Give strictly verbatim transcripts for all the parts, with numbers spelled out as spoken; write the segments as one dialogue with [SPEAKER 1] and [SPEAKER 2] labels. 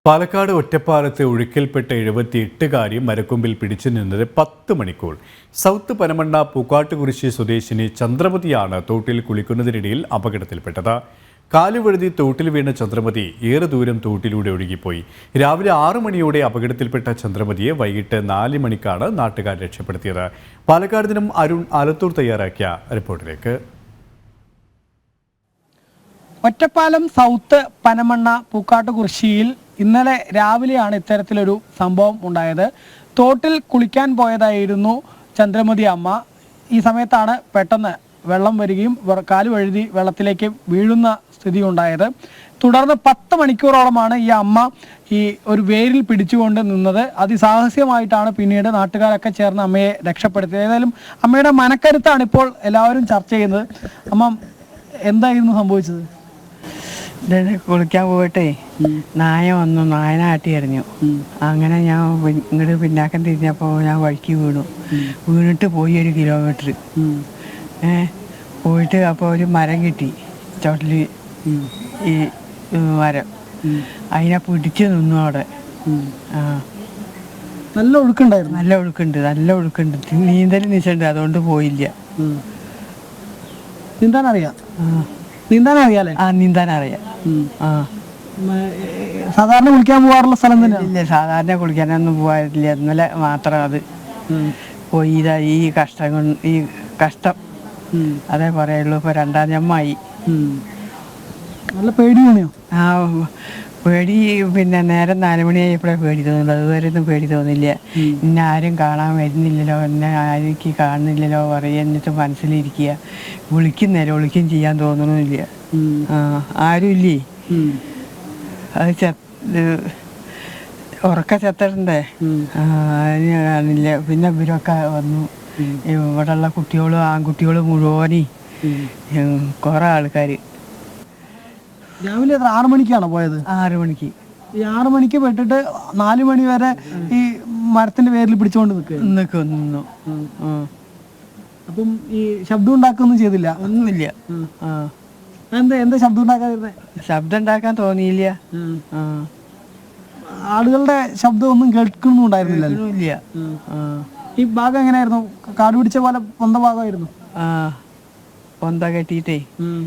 [SPEAKER 1] പാലക്കാട് ഒറ്റപ്പാലത്തെ ഒഴുക്കിൽപ്പെട്ട എഴുപത്തിയെട്ടുകാരി മരക്കൊമ്പിൽ പിടിച്ചു നിന്നത് പത്ത് മണിക്കൂർ. സൗത്ത് പനമണ്ണ പൂക്കാട്ടുകുരിശി സ്വദേശിനി ചന്ദ്രമതിയാണ് തോട്ടിൽ കുളിക്കുന്നതിനിടയിൽ അപകടത്തിൽപ്പെട്ടത്. കാലുവഴുതി തോട്ടിൽ വീണ ചന്ദ്രമതി ഏറെ ദൂരം തോട്ടിലൂടെ ഒഴുകിപ്പോയി. രാവിലെ ആറു മണിയോടെ അപകടത്തിൽപ്പെട്ട ചന്ദ്രമതിയെ വൈകിട്ട് നാല് മണിക്കാണ് നാട്ടുകാർ രക്ഷപ്പെടുത്തിയത്. പാലക്കാട് നിന്നും അരുൺ ആലത്തൂർ തയ്യാറാക്കിയ റിപ്പോർട്ടിലേക്ക്.
[SPEAKER 2] ഒറ്റപ്പാലം സൗത്ത് പനമണ്ണ പൂക്കാട്ടുകുരിശിയിൽ ഇന്നലെ രാവിലെയാണ് ഇത്തരത്തിലൊരു സംഭവം ഉണ്ടായത്. തോട്ടിൽ കുളിക്കാൻ പോയതായിരുന്നു ചന്ദ്രമതി അമ്മ. ഈ സമയത്താണ് പെട്ടെന്ന് വെള്ളം വരികയും കാല് വഴുതി വെള്ളത്തിലേക്ക് വീഴുന്ന സ്ഥിതി ഉണ്ടായത്. തുടർന്ന് പത്ത് മണിക്കൂറോളമാണ് ഈ അമ്മ ഈ ഒരു വേരിൽ പിടിച്ചുകൊണ്ട് നിന്നത്. അതിസാഹസികമായിട്ടാണ് പിന്നീട് നാട്ടുകാരൊക്കെ ചേർന്ന് അമ്മയെ രക്ഷപ്പെടുത്തിയത്. ഏതായാലും അമ്മയുടെ മനക്കരുത്താണ് ഇപ്പോൾ എല്ലാവരും ചർച്ച ചെയ്യുന്നത്. അമ്മ, എന്തായിരുന്നു സംഭവിച്ചത്?
[SPEAKER 3] കുളിക്കാൻ പോയിട്ടേ നായ വന്നു, നായനാട്ടി എറിഞ്ഞു. അങ്ങനെ ഞാൻ ഇങ്ങോട്ട് പിന്നാക്കം തിരിഞ്ഞപ്പോൾ ഞാൻ വഴിക്ക് വീണു. വീണിട്ട് പോയി ഒരു കിലോമീറ്റർ ഏ പോയിട്ട് അപ്പോൾ ഒരു മരം കിട്ടി ചോട്ടിൽ, ഈ മരം. അതിനെ പിടിച്ച് നിന്നു അവിടെ. ആ
[SPEAKER 2] നല്ല ഒഴുക്കുണ്ടായിരുന്നു.
[SPEAKER 3] നല്ല ഒഴുക്കുണ്ട്, നല്ല ഒഴുക്കുണ്ട്. നീന്തൽ നിശ്ചയുണ്ട്, അതുകൊണ്ട് പോയില്ല.
[SPEAKER 2] നീന്താൻ അറിയാം? നീന്താൻ അറിയാലേ?
[SPEAKER 3] ആ, നീന്താൻ അറിയാം. ആ,
[SPEAKER 2] സാധാരണ കുളിക്കാൻ പോകാറുള്ള സ്ഥലം തന്നെ?
[SPEAKER 3] ഇല്ല, സാധാരണ കുളിക്കാനൊന്നും പോകാറില്ല. ഇന്നലെ മാത്രം അത് പോയി. ഇതാ ഈ കഷ്ടം കൊണ്ട്, ഈ കഷ്ടം അതേ പറയുള്ളൂ. ഇപ്പൊ രണ്ടാം ജമ്മായി.
[SPEAKER 2] നല്ല പേടി തോന്നിയോ?
[SPEAKER 3] ആ, പേടി പിന്നെ നേരം നാല് മണിയായപ്പോഴേ പേടി തോന്നുന്നു. അതുവരെ ഒന്നും പേടി തോന്നില്ല. ഇന്നെ ആരും കാണാൻ വരുന്നില്ലല്ലോ, എന്നെ ആരും കാണുന്നില്ലല്ലോ പറയുക. എന്നിട്ട് മനസ്സിലിരിക്കുക. വിളിക്കുന്നേരം വിളിക്കും ചെയ്യാൻ തോന്നണില്ല. ആ, ആരും ഇല്ലേ. അത് ചെ ഉറക്ക ചെത്തണ്ടേ. അതിന് കാണില്ല. പിന്നെ ഇവരൊക്കെ വന്നു. ഇവിടെയുള്ള കുട്ടികളും ആൺകുട്ടികളും മുഴുവനും കുറെ ആൾക്കാർ.
[SPEAKER 2] രാവിലെ എത്ര ആറു മണിക്കാണോ പോയത്?
[SPEAKER 3] ആറു മണിക്ക്.
[SPEAKER 2] ഈ ആറു മണിക്ക് പെട്ടിട്ട് നാലു മണി വരെ ഈ മരത്തിന്റെ പേരിൽ പിടിച്ചുകൊണ്ട് നിൽക്കുക
[SPEAKER 3] നിൽക്കും നിന്നു.
[SPEAKER 2] അപ്പം ഈ ശബ്ദം ഉണ്ടാക്കുകയൊന്നും ചെയ്തില്ല?
[SPEAKER 3] ഒന്നുമില്ല. ആ,
[SPEAKER 2] എന്താ എന്താ ശബ്ദം ഉണ്ടാക്കാതിരുന്നേ?
[SPEAKER 3] ശബ്ദം ഉണ്ടാക്കാൻ തോന്നിയില്ല.
[SPEAKER 2] ആളുകളുടെ ശബ്ദം ഒന്നും കേൾക്കുന്നുണ്ടായിരുന്നില്ല. ഈ ഭാഗം എങ്ങനെയായിരുന്നു? കാട് പിടിച്ച പോലെ പൊന്ത ഭാഗമായിരുന്നു?
[SPEAKER 3] ആ, പൊന്ത കെട്ടിയിട്ടേ.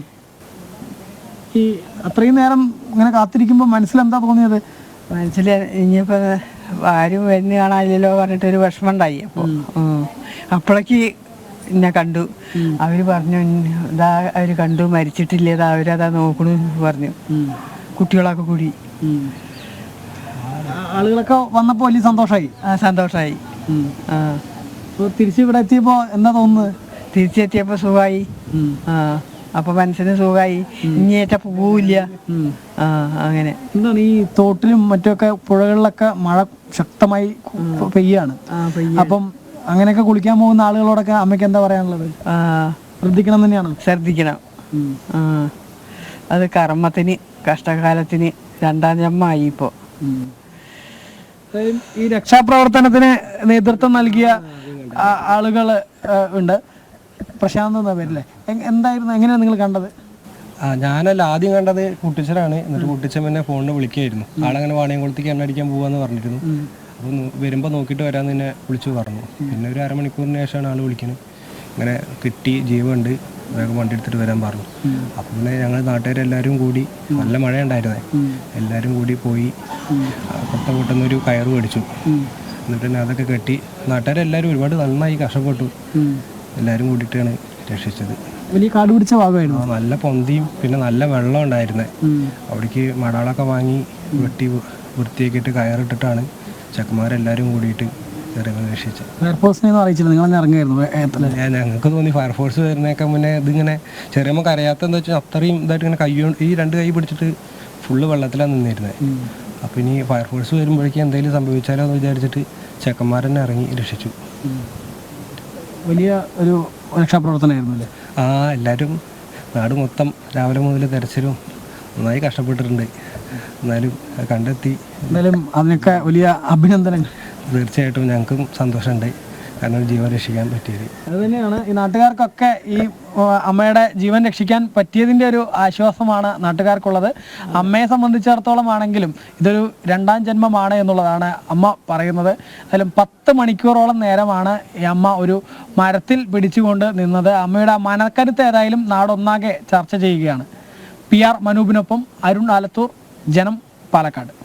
[SPEAKER 2] ഈ അത്രയും നേരം ഇങ്ങനെ കാത്തിരിക്കുമ്പോൾ മനസ്സിലെന്താ തോന്നിയത്?
[SPEAKER 3] മനസ്സിൽ ഇനിയിപ്പോ ആരും വരുന്ന കാണാനില്ലല്ലോ പറഞ്ഞിട്ടൊരു വിഷമം ഉണ്ടായി. അപ്പോൾ അപ്പോഴേക്ക് എന്നെ കണ്ടു. അവര് പറഞ്ഞു, ഇതാ അവര് കണ്ടു, മരിച്ചിട്ടില്ല, ഇതാ അവരതാ നോക്കണു പറഞ്ഞു. കുട്ടികളൊക്കെ കൂടി.
[SPEAKER 2] ആളുകളൊക്കെ വന്നപ്പോ വലിയ സന്തോഷമായി.
[SPEAKER 3] ആ, സന്തോഷമായി. ആ,
[SPEAKER 2] തിരിച്ച് ഇവിടെ എത്തിയപ്പോ എന്താ തോന്നുന്നത്?
[SPEAKER 3] തിരിച്ചെത്തിയപ്പോ സുഖമായി. ആ, അപ്പൊ മനസ്സിന് സുഖമായി. ഇനിയേറ്റ പോവില്ല. ആ, അങ്ങനെ.
[SPEAKER 2] എന്താണ് ഈ തോട്ടിലും മറ്റൊക്കെ പുഴകളിലൊക്കെ മഴ ശക്തമായി പെയ്യാണ്. അപ്പം അങ്ങനെയൊക്കെ കുളിക്കാൻ പോകുന്ന ആളുകളോടൊക്കെ അമ്മയ്ക്ക് എന്താ പറയാനുള്ളത്? ശ്രദ്ധിക്കണം തന്നെയാണ്.
[SPEAKER 3] ശ്രദ്ധിക്കണം. ആ, അത് കർമ്മത്തിന് കഷ്ടകാലത്തിന് രണ്ടാം ജന്മമായി ഇപ്പോ.
[SPEAKER 2] ഈ രക്ഷാപ്രവർത്തനത്തിന് നേതൃത്വം നൽകിയ ആളുകൾ ഉണ്ട്. പ്രശാന്ത് എന്ന പേരില്ലേ, എന്തായിരുന്നു, എങ്ങനെയാണ് നിങ്ങൾ കണ്ടത്?
[SPEAKER 4] ആ, ഞാനല്ല ആദ്യം കണ്ടത് കുട്ടിച്ചനാണ്. എന്നിട്ട് കുട്ടിച്ചൻ എന്നെ ഫോണിൽ വിളിക്കുകയായിരുന്നു. ആളങ്ങനെ വാണിയംകുളത്തേക്ക് എണ്ണ അടിക്കാൻ പോവാന്ന് പറഞ്ഞിരുന്നു. അപ്പോൾ വരുമ്പോൾ നോക്കിയിട്ട് വരാമെന്ന് തന്നെ വിളിച്ചു പറഞ്ഞു. പിന്നെ ഒരു അരമണിക്കൂറിന് ശേഷമാണ് ആൾ വിളിക്കുന്നത്. ഇങ്ങനെ കിട്ടി, ജീവനുണ്ട്, വേഗം വണ്ടി എടുത്തിട്ട് വരാൻ പറഞ്ഞു. അപ്പം പിന്നെ ഞങ്ങൾ നാട്ടുകാരെല്ലാവരും കൂടി, നല്ല മഴ ഉണ്ടായിരുന്നേ, എല്ലാവരും കൂടി പോയി കൊട്ട പൊട്ടുന്നൊരു കയറ് മേടിച്ചു. എന്നിട്ട് തന്നെ അതൊക്കെ കെട്ടി നാട്ടുകാരെല്ലാവരും ഒരുപാട് നന്നായി കഷ്ടപ്പെട്ടു. എല്ലാവരും കൂടിയിട്ടാണ് രക്ഷിച്ചത്.
[SPEAKER 2] വലിയ കാട് പിടിച്ച ഭാഗമായിരുന്നു.
[SPEAKER 4] നല്ല പൊന്തിയും പിന്നെ നല്ല വെള്ളം ഉണ്ടായിരുന്നേ. അവിടേക്ക് മടാളൊക്കെ വാങ്ങി വെട്ടി വൃത്തിയാക്കിയിട്ട് കയറിട്ടിട്ടാണ് ചെക്കന്മാരെല്ലാവരും കൂടിയിട്ട് രക്ഷിച്ചത്.
[SPEAKER 2] ഫയർഫോഴ്സിനെ അറിയിച്ചില്ല? നിങ്ങൾ ഇറങ്ങിയായിരുന്നു?
[SPEAKER 4] ഞങ്ങൾക്ക് തോന്നി ഫയർഫോഴ്സ് വരുന്നേക്കാൻ മുന്നേ ഇതിങ്ങനെ ചെറിയമ്മ കരയാത്തെന്ന് വെച്ചാൽ അത്രയും ഇതായിട്ട് ഇങ്ങനെ കൈ ഈ രണ്ട് കൈ പിടിച്ചിട്ട് ഫുള്ള് വെള്ളത്തിലാണ് നിന്നിരുന്നത്. അപ്പം ഇനി ഫയർഫോഴ്സ് വരുമ്പോഴേക്കും എന്തെങ്കിലും സംഭവിച്ചാലോ എന്ന് വിചാരിച്ചിട്ട് ചെക്കന്മാരെന്നെ ഇറങ്ങി രക്ഷിച്ചു.
[SPEAKER 2] വലിയ ഒരു രക്ഷാപ്രവർത്തനമായിരുന്നു അല്ലേ?
[SPEAKER 4] ആ, എല്ലാവരും നാട് മൊത്തം രാവിലെ മുതൽ തെരച്ചിലും നന്നായി കഷ്ടപ്പെട്ടിട്ടുണ്ട്. എന്നാലും കണ്ടെത്തി.
[SPEAKER 2] എന്തായാലും അതിനൊക്കെ വലിയ അഭിനന്ദനങ്ങൾ.
[SPEAKER 4] തീർച്ചയായിട്ടും ഞങ്ങൾക്കും സന്തോഷമുണ്ട്. കാരണം ജീവൻ രക്ഷിക്കാൻ പറ്റിയത്.
[SPEAKER 2] അത് തന്നെയാണ് ഈ നാട്ടുകാർക്കൊക്കെ ഈ ആ, അമ്മയുടെ ജീവൻ രക്ഷിക്കാൻ പറ്റിയതിൻ്റെ ഒരു ആശ്വാസമാണ് നാട്ടുകാർക്കുള്ളത്. അമ്മയെ സംബന്ധിച്ചിടത്തോളം ആണെങ്കിലും ഇതൊരു രണ്ടാം ജന്മമാണ് എന്നുള്ളതാണ് അമ്മ പറയുന്നത്. അതിലും പത്ത് മണിക്കൂറോളം നേരമാണ് ഈ അമ്മ ഒരു മരത്തിൽ പിടിച്ചുകൊണ്ട് നിന്നത്. അമ്മയുടെ ആ മനക്കരുത്ത് ഏതായാലും നാടൊന്നാകെ ചർച്ച ചെയ്യുകയാണ്. പി ആർ മനൂപിനൊപ്പം അരുൺ ആലത്തൂർ, ജനം, പാലക്കാട്.